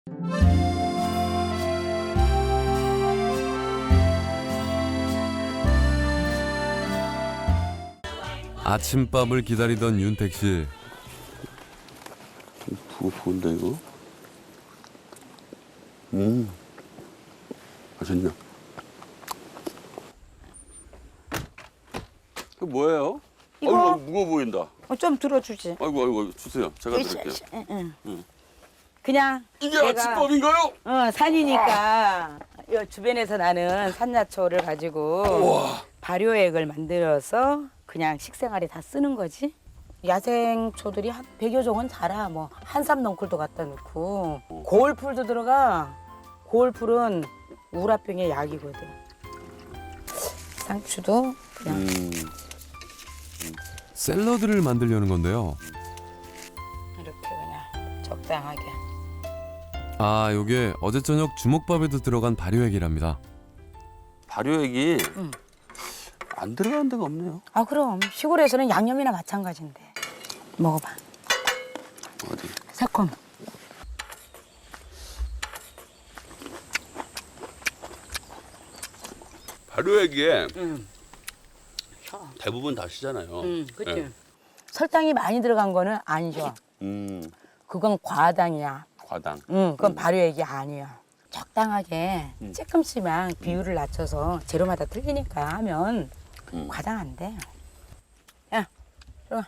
아침밥을 기다리던 윤택 씨. 부은데 이거? 맛있냐? 이거 뭐예요? 이거? 아이고 무거워 보인다. 좀 들어주지. 아이고 주세요. 제가 드릴게요. 응. 그냥 이게 내가, 아침밥인가요? 산이니까 요 주변에서 나는 산야초를 가지고 우와. 발효액을 만들어서 그냥 식생활에 다 쓰는 거지. 야생초들이 한 100여 종은 자라. 뭐 한삼 넝쿨도 갖다 놓고 고울풀도 들어가. 고울풀은 우라병의 약이거든. 상추도 그냥 샐러드를 만들려는 건데요. 이렇게 그냥 적당하게. 아, 요게 어제 저녁 주먹밥에도 들어간 발효액이랍니다. 발효액이 안 들어가는 데가 없네요. 아 그럼 시골에서는 양념이나 마찬가지인데. 먹어봐. 어디? 새콤. 발효액에 대부분 다 시잖아요. 그치. 네. 설탕이 많이 들어간 거는 아니죠. 그건 과당이야. 과당. 그건 발효액이 아니야. 적당하게 조금씩만 비율을 낮춰서 재료마다 틀리니까 하면 과당 안 돼. 야, 들어가.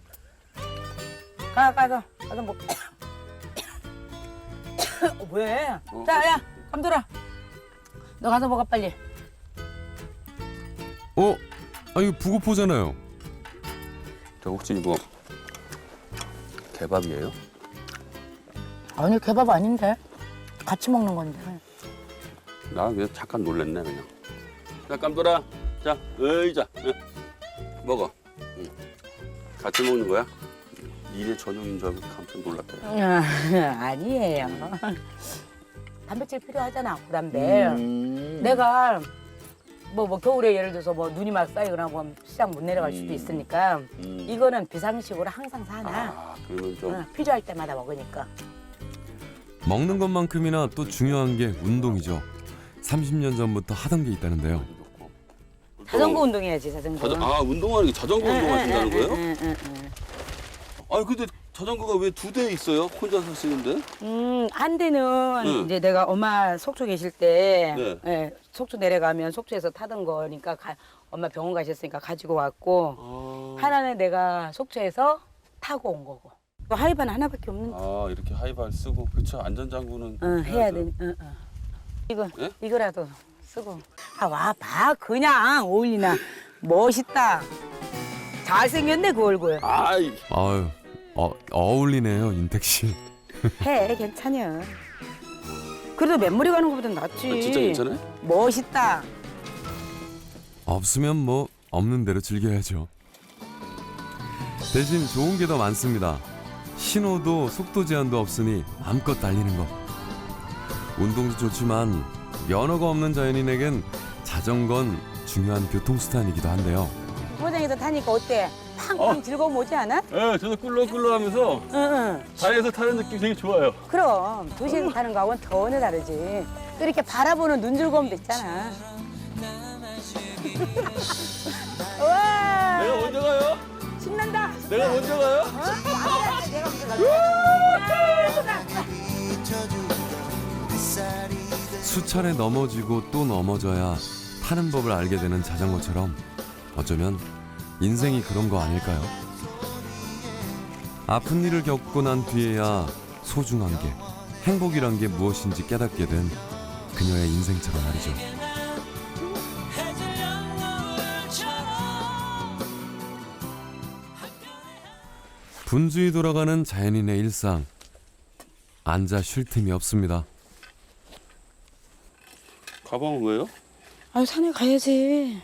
가서 먹. 왜? 자, 야, 감돌아. 너 가서 먹어 빨리. 아, 이거 부고포잖아요. 저 혹시 이거 개밥이에요? 아니 개밥 아닌데. 같이 먹는 건데. 나 그냥 잠깐 놀랬네 그냥. 자 깜돌아, 자 의자 먹어. 같이 먹는 거야? 일의 전용인 줄 알고 깜짝 놀랐다. 아니에요. 단백질 필요하잖아, 고단백. 내가 뭐 겨울에 예를 들어서 뭐 눈이 막 쌓이거나 뭐 시장 못 내려갈 수도 있으니까 이거는 비상식으로 항상 사놔. 아 그러면 좀 필요할 때마다 먹으니까. 먹는 것만큼이나 또 중요한 게 운동이죠. 30년 전부터 하던 게 있다는데요. 자전거 운동해야지, 자전거. 운동하는 게 자전거 운동하신다는 거예요? 아니 근데 자전거가 왜 2대 있어요? 혼자서 쓰는데? 한 대는 이제 내가 엄마 속초 계실 때 네. 속초 내려가면 속초에서 타던 거니까 엄마 병원 가셨으니까 가지고 왔고 하나는 내가 속초에서 타고 온 거고. 하이바는 하나밖에 없는데. 이렇게 하이발 쓰고 그쵸 안전장구는 해야 돼. 이거 예? 이거라도 쓰고. 와 봐 그냥 어울리나. 멋있다. 잘생겼네 그 얼굴. 아이 아유, 어울리네요, 윤택 씨. 해 괜찮여. 그래도 맨머리 가는 것보단 낫지. 진짜 괜찮아요? 멋있다. 없으면 뭐 없는 대로 즐겨야죠. 대신 좋은 게 더 많습니다. 신호도 속도 제한도 없으니 마음껏 달리는 것. 운동도 좋지만 면허가 없는 자연인에겐 자전거는 중요한 교통수단이기도 한데요. 고장에서 타니까 어때? 팡팡 즐거움 오지 않아? 네, 저도 꿀렁꿀렁하면서 응. 자연에서 타는 느낌 되게 좋아요. 그럼 도시에서 타는 거하고는 전혀 다르지. 또 이렇게 바라보는 눈 즐거움도 있잖아. 와 내가 먼저 가요? 신난다. 내가 먼저 가요? 내가 먼저 가. 수차례 넘어지고 또 넘어져야 타는 법을 알게 되는 자전거처럼 어쩌면 인생이 그런 거 아닐까요? 아픈 일을 겪고 난 뒤에야 소중한 게, 행복이란 게 무엇인지 깨닫게 된 그녀의 인생처럼 말이죠. 분주히 돌아가는 자연인의 일상. 앉아 쉴 틈이 없습니다. 가방은 왜요? 산에 가야지.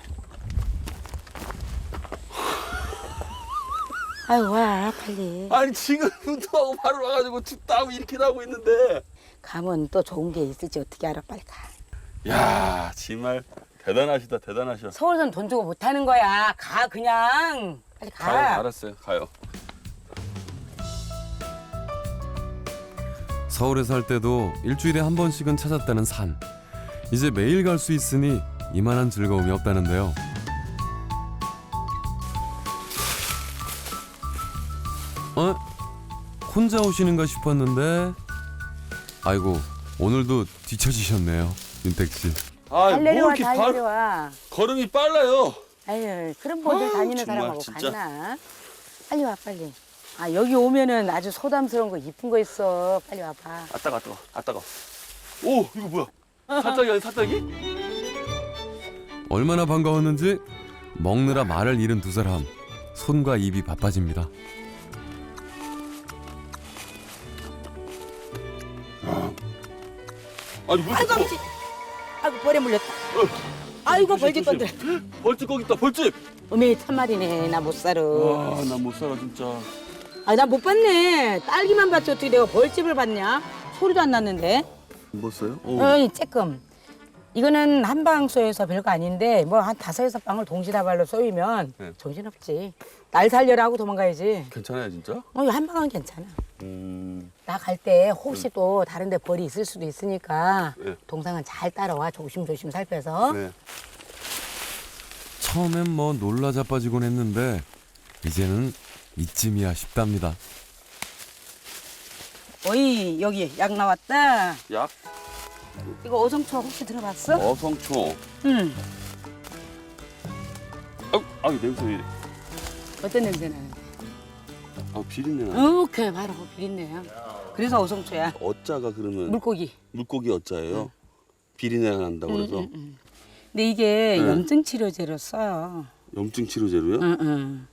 와 빨리. 아니 지금 운동하고 바로 와가지고 춥다고 이렇게 하고 있는데. 가면 또 좋은 게 있을지 어떻게 알아? 빨리 가. 야 정말 대단하시다 대단하셔. 서울선 돈 주고 못 하는 거야. 가 그냥. 빨리 가. 가요 알았어요 가요. 서울에 살 때도 일주일에 한 번씩은 찾았다는 산. 이제 매일 갈 수 있으니 이만한 즐거움이 없다는데요. 혼자 오시는가 싶었는데 아이고 오늘도 뒤처지셨네요, 윤택 씨. 아, 잘 뭐 내려와, 이렇게 잘 내려와. 걸음이 빨라요. 아유, 그런 멀리 다니는 정말, 사람하고 진짜. 같나? 빨리 와, 빨리. 아, 여기 오면은 아주 소담스러운 거 이쁜 거 있어. 빨리 와봐. 아 따가, 아 따가. 오, 이거 뭐야? 사짜기 아니 사짜기? 얼마나 반가웠는지 먹느라 말을 잃은 두 사람. 손과 입이 바빠집니다. 아니 왜 아이고, 이렇게 아버지. 아이고, 벌에 물렸다. 아이고, 벌집 건들. 벌집 거기 있다, 벌집. 어메, 참말이네. 나 못 살아. 와, 나 못 살아 진짜. 아, 나 못 봤네. 딸기만 봤지 어떻게 내가 벌집을 봤냐? 소리도 안 났는데. 못 써요? 어이, 쬐끔. 이거는 한방쏘여서 별거 아닌데 뭐 한 5-6방을 동시다발로 쏘이면 네. 정신없지. 날 살려라 하고 도망가야지. 괜찮아요 진짜? 한 방은 괜찮아. 음. 나 갈 때 혹시 또 다른 데 벌이 있을 수도 있으니까 네. 동상은 잘 따라와. 조심조심 살펴서. 네. 처음엔 뭐 놀라 자빠지곤 했는데 이제는 이쯤이야 싶답니다. 어이, 여기 약 나왔다. 약, 이거 어성초 혹시 들어봤어? 어성초. 응. 아, 냄새 왜 이래? 어떤 냄새 나는데? 아, 비린내 나. 오케이, 바로 비린내야. 그래서 어성초야. 어짜가 그러면 물고기. 물고기 어짜예요? 비린내가 난다고 그래서 근데 이게 네. 염증 치료제로 써요. 염증 치료제로요? 응.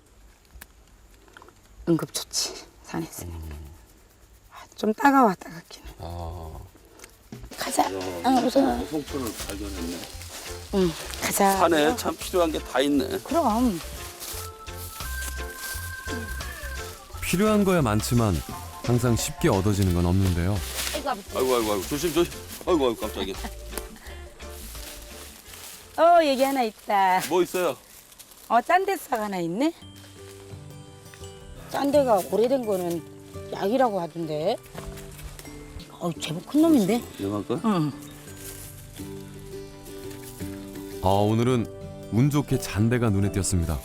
응급 좋지, 산에서. 좀 따가워, 따갑기는. 아, 가자. 야, 우선. 어성초를 발견했네. 응, 가자. 산에 참 필요한 게 다 있네. 그럼. 필요한 거야 많지만 항상 쉽게 얻어지는 건 없는데요. 아이고, 아버지. 아이고, 조심. 아이고, 깜짝이야. 얘기 하나 있다. 뭐 있어요? 짠데싹 하나 있네? 짠데가 오래된 거는 약이라고 하던데. 제법 큰 놈인데? 이거 할까? 응. 오늘은 운 좋게 잔대가 눈에 띄었습니다.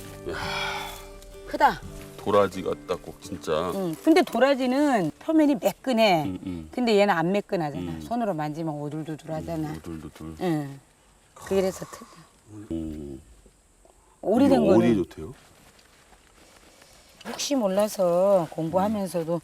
크다. 도라지 같다, 꼭 진짜. 응. 근데 도라지는 표면이 매끈해. 응. 근데 얘는 안 매끈하잖아. 손으로 만지면 오돌도돌하잖아. 둘. 응. 그래서 특. 음. 오래된 이거 어디에 거는 좋대요? 혹시 몰라서 공부하면서도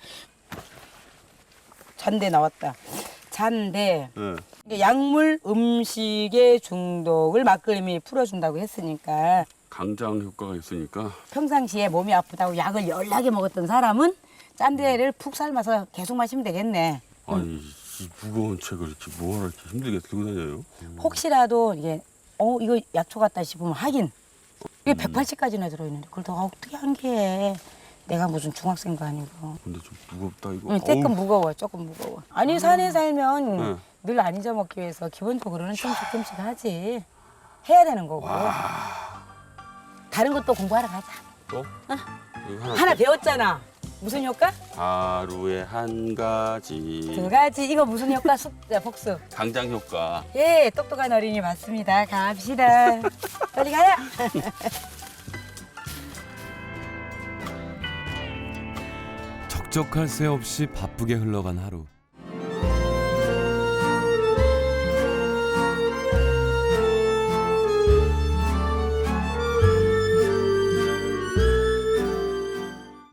잔대 나왔다. 잔대. 네. 이게 약물 음식의 중독을 막걸림이 풀어준다고 했으니까 강장 효과가 있으니까. 평상시에 몸이 아프다고 약을 열나게 먹었던 사람은 짠데를 푹 삶아서 계속 마시면 되겠네. 아니, 이 무거운 책을 이렇게 뭐하러 이렇게 힘들게 들고 다녀요? 혹시라도 이게 이거 약초 같다 싶으면 하긴 이게 180까지나 들어있는데 그걸 더 어떻게 한 게 내가 무슨 중학생도 아니고. 근데 좀 무겁다 이거. 응, 조금 무거워, 조금 무거워. 아니 산에 살면 네. 늘 안 잊어먹기 위해서 기본적으로는 조금씩 하지. 해야 되는 거고. 다른 것도 공부하러 가자. 또? 이거 하나 배웠잖아. 무슨 효과? 하루에 한 가지. 2가지. 이거 무슨 효과? 복수. 강장 효과. 예, 똑똑한 어린이 맞습니다. 갑시다. 빨리 가요. 적적할 새 없이 바쁘게 흘러간 하루.